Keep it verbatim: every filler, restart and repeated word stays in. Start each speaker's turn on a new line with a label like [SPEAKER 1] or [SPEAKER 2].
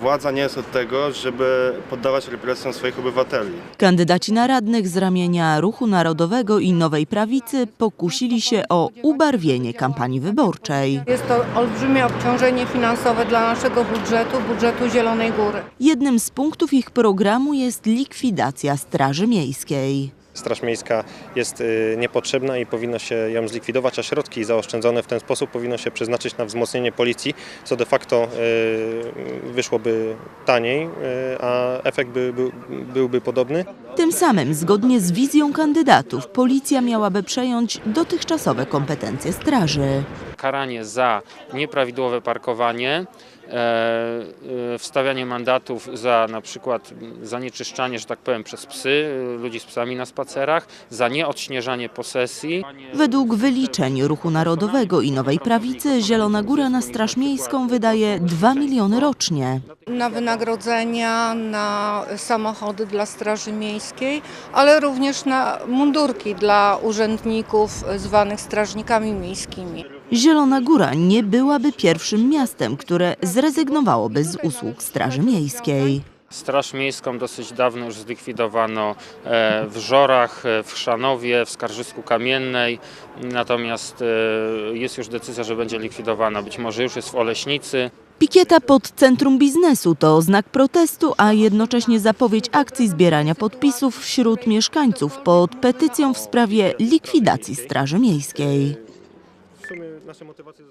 [SPEAKER 1] Władza nie jest od tego, żeby poddawać represjom swoich obywateli.
[SPEAKER 2] Kandydaci na radnych z ramienia Ruchu Narodowego i Nowej Prawicy pokusili się o ubarwienie kampanii wyborczej.
[SPEAKER 3] Jest to olbrzymie obciążenie finansowe dla naszego budżetu, budżetu Zielonej Góry.
[SPEAKER 2] Jednym z punktów ich programu jest likwidacja Straży Miejskiej.
[SPEAKER 4] Straż Miejska jest niepotrzebna i powinno się ją zlikwidować, a środki zaoszczędzone w ten sposób powinno się przeznaczyć na wzmocnienie policji, co de facto wyszłoby taniej, a efekt by, by, byłby podobny.
[SPEAKER 2] Tym samym, zgodnie z wizją kandydatów, policja miałaby przejąć dotychczasowe kompetencje straży.
[SPEAKER 5] Karanie za nieprawidłowe parkowanie, e, wstawianie mandatów za na przykład zanieczyszczanie, że tak powiem, przez psy, ludzi z psami na spacerach, za nieodśnieżanie posesji.
[SPEAKER 2] Według wyliczeń Ruchu Narodowego i Nowej Prawicy Zielona Góra na Straż Miejską wydaje dwa miliony rocznie.
[SPEAKER 3] Na wynagrodzenia, na samochody dla Straży Miejskiej, ale również na mundurki dla urzędników zwanych strażnikami miejskimi.
[SPEAKER 2] Zielona Góra nie byłaby pierwszym miastem, które zrezygnowałoby z usług Straży Miejskiej.
[SPEAKER 5] Straż Miejską dosyć dawno już zlikwidowano w Żorach, w Chrzanowie, w Skarżysku Kamiennej, natomiast jest już decyzja, że będzie likwidowana, być może już jest w Oleśnicy.
[SPEAKER 2] Pikieta pod Centrum Biznesu to znak protestu, a jednocześnie zapowiedź akcji zbierania podpisów wśród mieszkańców pod petycją w sprawie likwidacji Straży Miejskiej.
[SPEAKER 4] W sumie nasze motywacje